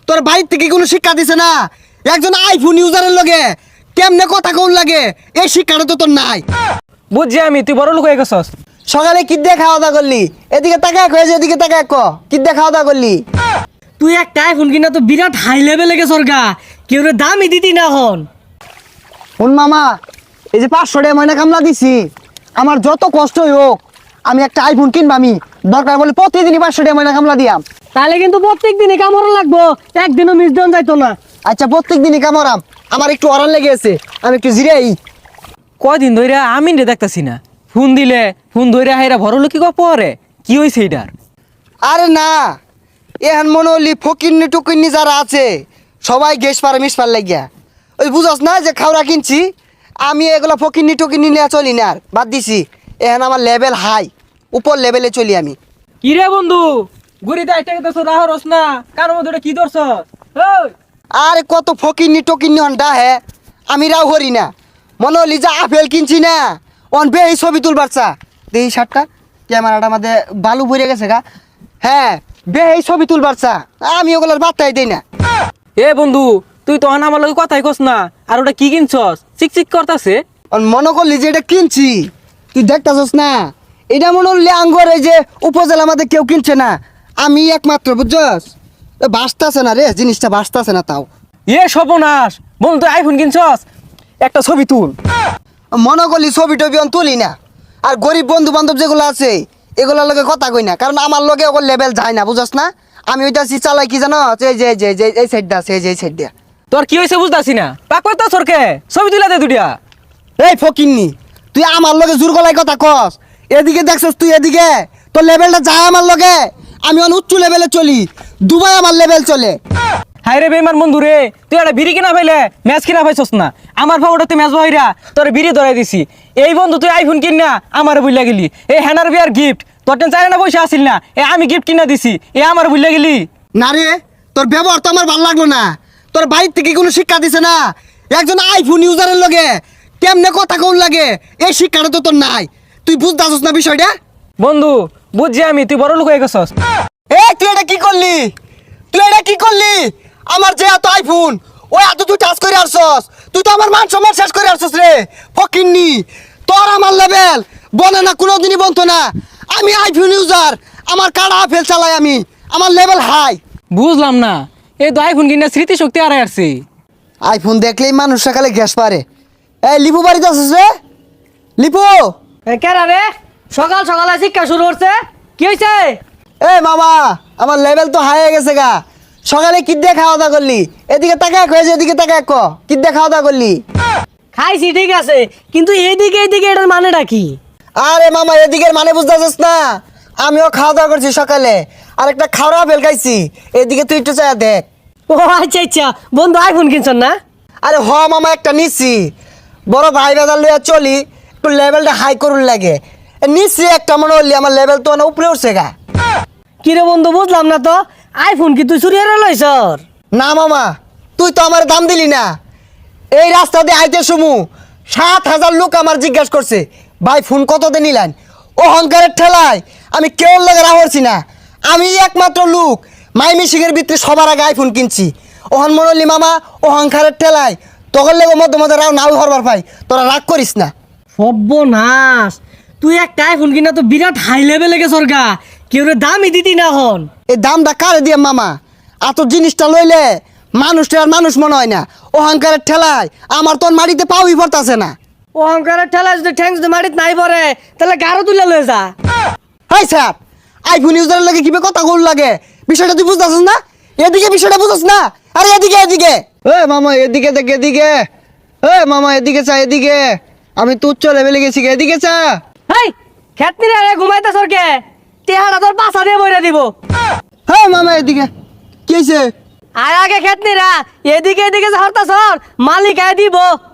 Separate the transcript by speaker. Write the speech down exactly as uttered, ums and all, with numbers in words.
Speaker 1: তোর বাইর থেকে কোনো শিক্ষা দিছে না? একজন আইফোন ইউজারের লগে কেমনে কথা কোন লাগে এই শিক্ষাটা তো তোর নাই।
Speaker 2: বুঝছি আমি, তুই বড় লোক হয়ে গেছস।
Speaker 1: সকালে কি দিয়ে খাওয়া দাওয়া করলি? এদিকে তাকায় কয়েছে, এদিকে তাকায় ক কি দিয়ে খাওয়া দাওয়া করলি?
Speaker 3: তুই একটা আইফোন কিনা তো বিরাট হাই লেভেলে গেছর গা, কেউ রে দামই দিতি না হন।
Speaker 1: শুন মামা, এই যে পাঁচশো টাকা ময়না কামলা দিছি, আমার যত কষ্টই হোক আমি একটা আইফোন কিনবা, আমি দরকার বলে প্রতিদিনই পাঁচশো টাকা ময়না কামলা দিয়াম।
Speaker 3: তাহলে কিন্তু প্রত্যেক দিনে কামড় লাগবো, একদিনও মিস দেন যাইতো না।
Speaker 1: আচ্ছা প্রত্যেক দিনই কামড়াম, আমার একটু অরান লেগে আছে, আমি একটু জিরাই।
Speaker 2: কয়দিন ধরে আমি রে দেখতাছি না, ফোন দিলে ফোন ধরে হাইরা বড় লোক কি পরে কি হয়েছে এটার?
Speaker 1: আরে না, এখন মনে হলি ফকিন্নি টুকিন্নি যারা আছে সবাই গ্যাস পারে মিস পার লাগিয়া, ওই বুঝস না যে খাওয়া কিনছি আমি, এগুলো ফকিন্নি টুকিন্নি নিয়ে চলি না, আর বাদ দিছি। এখন আমার লেভেল হাই, উপর লেভেলে চলি আমি।
Speaker 2: কি রে বন্ধু, গুড়িতে একটা গেছ রাহরস না, কার মধ্যে ওটা কি ধরছ? ওই
Speaker 1: আরে কত ফকিন্নি টকিন্নি হন্ডা হে, আমি রাও হরি না। মনে হলি যে আপেল কিনছি না, অন বে এই ছবি তুলবার চা দেই শার্টটা ক্যামেরাটা আমাদের বালু ভরে গেছে গা। হ্যাঁ বে এই ছবি তুলবার চা, আমি ওগুলোর বার্তাই দেই না।
Speaker 2: এ বন্ধু, তুই তো আমার লগে কথাই কস না, আর ওটা কি কিনছস? চিক চিক করতাছে।
Speaker 1: অন মনে করলি যে এটা কিনছি, তুই দেখতাছস না, এটা মনে হলি আঙ্গর এই যে উপজেলা আমাদের কেউ কিনছে না, আমি একমাত্র, বুঝছস? বাঁচতাছে না রে, জিনিসটা বাঁচতাছে না। তাও
Speaker 2: এ সর্বনাশ, বন্ধু তুই আইফোন কিনছস, একটা ছবি তুল।
Speaker 1: মনে করলি ছবি টবি অন তুলি না, আর গরিব বন্ধু বান্ধব যেগুলো আছে এগুলোর লগে কথা কই না, কারণ আমার লগে ওগুলো লেভেল যায় না, বুঝছ না? আমি ওইটা চালাই কি জানো, এই যে যে যে এই সাইডটা আছে, এই যে এই সাইড দিয়া।
Speaker 2: তোর কি হয়েছে বুঝতাছি না, পাক পাক সরকে ছবি তুলা দে দুটিয়া।
Speaker 1: এই ফকিন্নি, তুই আমার লগে জোর গলায় কথা কস, এদিকে দেখছস তুই, এদিকে তোর লেভেলটা যায় আমার লগে, আমি অন উচ্চ লেভেলে চলি, দুবাই আমার লেভেল চলে।
Speaker 2: হাই রে বেমান বন্ধু রে, তুই একটা বিড়ি কিনা পাইলে ম্যাচ কিনা পাইছস না, আমার ফাউডাতে ম্যাচ বইরা তোর বিড়ি ধরাই দিছি। এই বন্ধু তুই আইফোন কিন না আমার বুঝলা গেলি, এই হ্যানার বিয়ার গিফট তোর টেন চাই না পয়সা আসিল না, এ আমি গিফট কিনা দিছি, এ আমার বুঝলা গেলি।
Speaker 1: না রে, তোর ব্যবহার তো আমার ভালো লাগলো না, তোর বাইর থেকে কোনো শিক্ষা দিছে না? একজন আইফোন ইউজারের লগে কেমনে কথা কোন লাগে এই শিক্ষাটা তো তোর নাই, তুই বুঝতেছস না বিষয়টা?
Speaker 2: বন্ধু বুঝছি আমি, তুই বড় লোক হয়ে গেছস।
Speaker 1: এ তুই এটা কি করলি? তুই এটা কি করলি? আমার যে এত আইফোন, ওই এত তুই টাচ করে আসছস, তুই তো আমার মান সম্মান শেষ করে আসছস রে ফকিন্নি। তোর আমার লেভেল বনে না, কোনোদিনই বলতো না। আমি আইফোন ইউজার, আমার কাড়া আপেল চালাই আমি, আমার লেভেল হাই।
Speaker 2: বুঝলাম না, এই তো আইফোন কিনা স্মৃতিশক্তি হারাই আসছে।
Speaker 1: আইফোন দেখলেই মানুষ সকালে গ্যাস পারে। এই লিপু বাড়িতে আসছিস রে? লিপু,
Speaker 3: কেরা রে সকাল সকালে শিক্ষা শুরু করছে, কি হয়েছে?
Speaker 1: এ মামা, আমার লেভেল তো হাই হয়ে গেছে গা। সকালে কি দিয়ে খাওয়া দাওয়া করলি? এদিকে তাকায় কয়েছে, এদিকে তাকায় ক কি দিয়ে খাওয়া দাওয়া করলি?
Speaker 3: খাইছি ঠিক আছে, কিন্তু এইদিকে এইদিকে এটার মানেটা কি?
Speaker 1: আরে মামা, এদিকের মানে বুঝতেছিস না? আমিও খাওয়া দাওয়া করছি সকালে, আর একটা খাওয়া ফেল খাইছি, এদিকে তুই একটু চাই দেখ।
Speaker 3: ও আচ্ছা আচ্ছা, বন্ধু আইফোন কিনছেন না?
Speaker 1: আরে হ মামা, একটা নিচ্ছি, বড় ভাই বাজার লইয়া চলি, একটু লেভেলটা হাই করুন লাগে, নিচ্ছি একটা, মনে হলি আমার লেভেল তো অনেক উপরে উঠছে গা।
Speaker 3: কিরে বন্ধু বুঝলাম না তো, আইফোন কি তুই চুরি হারা লইছর?
Speaker 1: না মামা, তুই তো আমার দাম দিলি না। এই রাস্তা দিয়ে আইতে সমু সাত হাজার লোক আমার জিজ্ঞাসা করছে, ভাই ফোন কত দিয়ে নিলেন? অহংকারের ঠেলায় আমি কেউ লাগে রাহরছি না, আমি একমাত্র লোক মাই মিশিংয়ের ভিতরে সবার আগে আইফোন কিনছি। ওহন মনলি মামা, অহংকারের ঠেলায় তখন লেগে মধ্যে মধ্যে রাও নাও হরবার ভাই, তোরা রাগ করিস না।
Speaker 3: সর্বনাশ, তুই একটা আইফোন কিনা তো বিরাট হাই লেভেলে গেছর গা, কেউ রে দামই দিতি না হন।
Speaker 1: এই দামটা কারে দিয়ে মামা? এত জিনিসটা লইলে মানুষটা আর মানুষ মনে হয় না, অহংকারের ঠেলায় আমার তোর মাটিতে পাওই পড়তাছে না।
Speaker 3: অহংকারের ঠেলা যদি ঠ্যাং যদি মাটিত নাই পড়ে, তাহলে গাড়ো তুলে লয়ে যা।
Speaker 1: হাই স্যার, আইফোন ইউজারের লাগে কিভাবে কথা বল লাগে, বিষয়টা তুই বুঝতেছিস না? এদিকে বিষয়টা বুঝছিস না? আরে এদিকে এদিকে, এ মামা এদিকে দেখ, এদিকে, এ মামা এদিকে চা, এদিকে, আমি তুচ্ছ উচ্চ লেভেলে গেছি, এদিকে চা।
Speaker 3: হেই খেতনি রে ঘুমাইতে সরকে, তেহারা তোর পাশা দিয়ে বইরা দিব।
Speaker 1: হ্যাঁ মামা এদিকে, কি হয়েছে?
Speaker 3: আর আগে খেতনি রা, এদিকে এদিকে হরতা সর, মালিক আয় দিব।